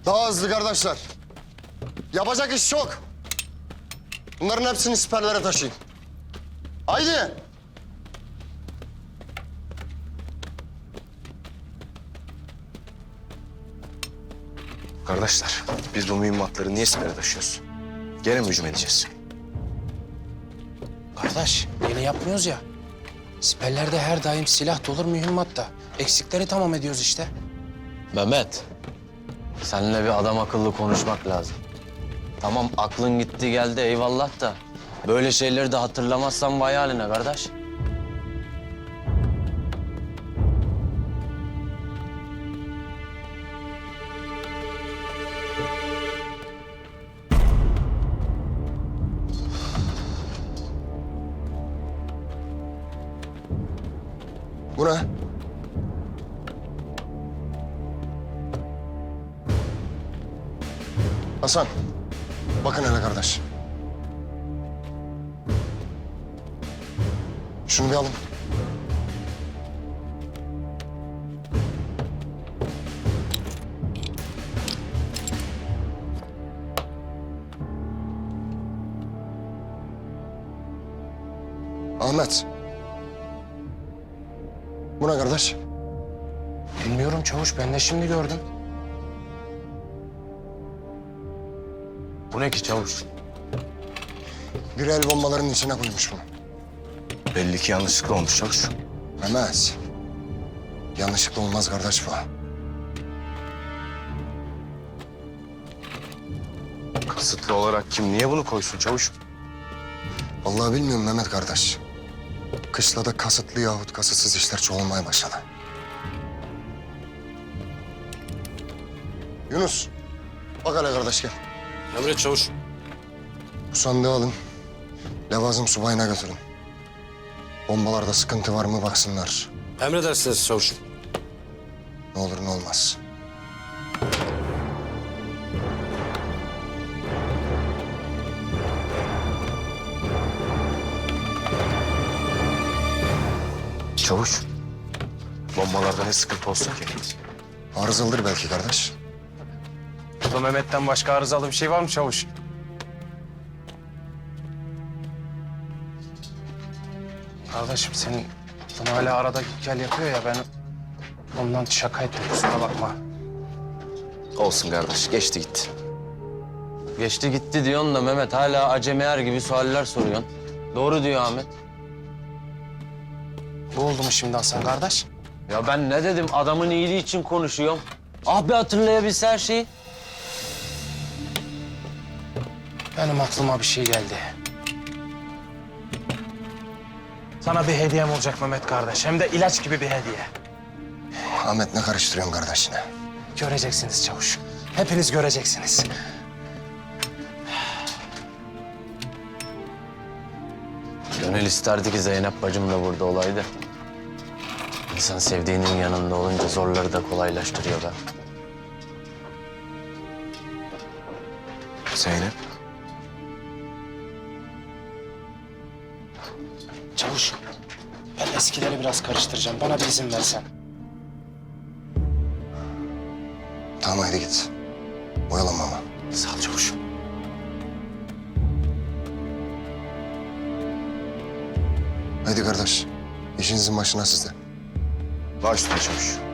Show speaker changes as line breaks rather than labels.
Daha hızlı kardeşler. Yapacak iş çok. Bunların hepsini siperlere taşıyın. Haydi.
Kardeşler, biz bu mühimmatları niye sipere taşıyoruz? Gene mi hücum edeceğiz?
Kardeş, yeni yapmıyoruz ya. Siperlerde her daim silah dolur mühimmat da. Eksikleri tamam ediyoruz işte.
Mehmet, seninle bir adam akıllı konuşmak lazım. Tamam aklın gitti geldi eyvallah da böyle şeyleri de hatırlamazsan vay haline kardeş.
Bu ne? Hasan, bakın hele kardeş. Şunu bir alın. Ahmet. Bu ne kardeş?
Bilmiyorum çavuş, ben de şimdi gördüm.
Bu ne ki çavuş?
Bir el bombalarının içine koymuş bunu.
Belli ki yanlışlıkla olmuş çavuş.
Mehmet. Yanlışlıkla olmaz kardeş bu.
Kasıtlı olarak kim niye bunu koysun çavuş?
Vallahi bilmiyorum Mehmet kardeş. Kışlada kasıtlı yahut kasıtsız işler çoğalmaya başladı. Yunus, bak hele kardeş gel.
Emret çavuş.
Bu sandığı alın. Levazım subayına götürün. Bombalarda sıkıntı var mı baksınlar.
Emredersiniz çavuşum.
Ne olur ne olmaz.
Çavuş, bombalarda ne sıkıntı olsun ki?
Arızalıdır belki kardeş.
Burada Mehmet'ten başka arızalı bir şey var mı çavuş? Kardeşim senin bunu hala arada gel yapıyor ya, ben ondan şaka ettim, kusura bakma.
Olsun kardeş, geçti gitti.
Geçti gitti diyorsun da Mehmet hala acemiyer gibi sualler soruyorsun. Doğru diyor Ahmet.
Bu oldu mu şimdi Hasan kardeş?
Ya ben ne dedim adamın iyiliği için konuşuyorum. Ah bir hatırlayabilse her şeyi.
Benim aklıma bir şey geldi. Sana bir hediyem olacak Mehmet kardeş. Hem de ilaç gibi bir hediye.
Ahmet ne karıştırıyorsun kardeşine?
Göreceksiniz çavuş. Hepiniz göreceksiniz.
Gönül isterdi ki Zeynep bacım da burada olaydı. İnsan sevdiğinin yanında olunca zorları da kolaylaştırıyor be.
Zeynep,
Çavuş, ben eskileri biraz karıştıracağım. Bana bir izin versen.
Tamam hadi git. Oyalanma ama.
Sağ ol çavuş.
Hadi kardeş. İşinizin başına siz de.
baş üstüne çavuş.